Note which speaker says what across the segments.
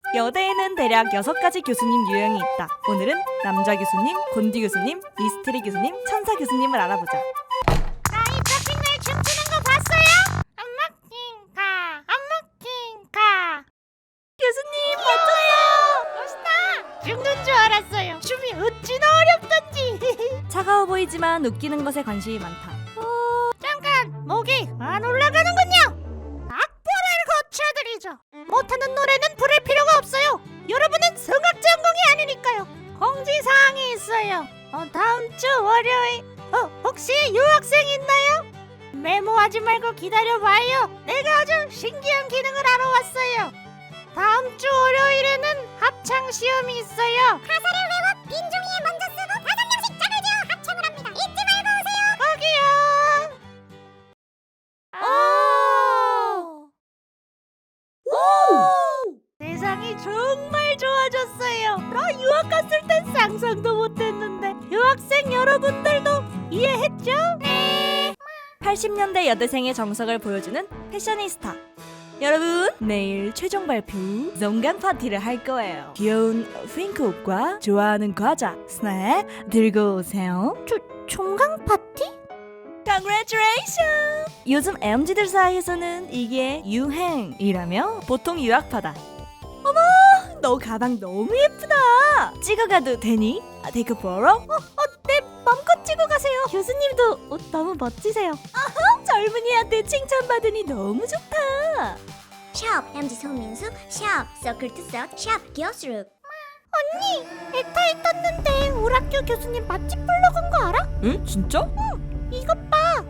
Speaker 1: 여대에는 대략 6가지 교수님 유형이 있다. 오늘은 남자 교수님, 곤디 교수님, 미스테리 교수님, 천사 교수님을 알아보자.
Speaker 2: 이 잡힌 날 춤추는 거 봤어요? 안 먹힌 가.
Speaker 1: 교수님 멋져요.
Speaker 2: 멋있다. 죽는 줄 알았어요. 춤이 어찌나 어렵던지.
Speaker 1: 차가워 보이지만 웃기는 것에 관심이 많다.
Speaker 2: 잠깐 목이 안 올라가는군요. 악보를 고쳐드리죠. 못하는 노래는 부를 필요가 없어요. 여러분은 성악 전공이 아니니까요. 공지사항이 있어요. 다음 주 월요일 혹시 유학생 있나요? 메모하지 말고 기다려봐요. 내가 아주 신기한 기능을 알아왔어요. 다음 주 월요일에는 합창 시험이 있어요. 가사를 외워 빈 종이에 먼저 쓰고 5명씩 짝을 지어 합창을 합니다. 잊지 말고 오세요. 거기요. 세상이 정말 좋아졌어요. 나 유학 갔을 땐 상상도 못했는데 유학생 여러분들도 이해했죠? 네.
Speaker 1: 80년대 여대생의 정석을 보여주는 패셔니스타. 여러분, 내일 최종 발표 농간 파티를 할 거예요. 귀여운 핑크 옷과 좋아하는 과자, 스낵 들고 오세요.
Speaker 2: 총각 파티?
Speaker 1: Congratulations! 요즘 MZ들 사이에서는 이게 유행이라며 보통 유학파다. 어머, 너 가방 너무 예쁘다. 찍어가도 되니? Take a photo? 네, 맘껏 찍어 가세요. 교수님도 옷 너무 멋지세요. 젊은이한테 칭찬받으니 너무 좋다.
Speaker 3: 샵 MZ 소민수 샵 서클 투석 샵 기어스룩.
Speaker 2: 언니, 에타에 떴는데 우리 학교 교수님 맛집 블로그인 거 알아?
Speaker 1: 응? 진짜?
Speaker 2: 이것 봐.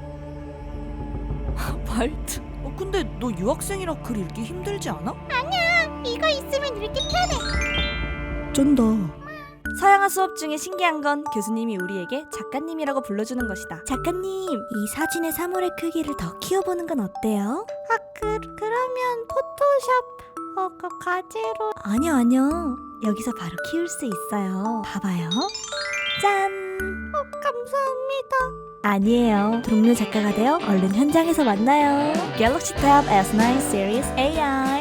Speaker 1: 발트. 근데 너 유학생이라 글 읽기 힘들지 않아?
Speaker 2: 이거 있으면 읽기 편해.
Speaker 1: 쩐다. 서양화 수업 중에 신기한 건 교수님이 우리에게 작가님이라고 불러주는 것이다. 작가님, 이 사진의 사물의 크기를 더 키워보는 건 어때요?
Speaker 2: 그러면 포토샵 가제로.
Speaker 1: 아니요. 여기서 바로 키울 수 있어요. 봐봐요. 짠!
Speaker 2: 감사합니다.
Speaker 1: 아니에요. 동료 작가가 되어 얼른 현장에서 만나요. 갤럭시 탭 S9 시리즈 AI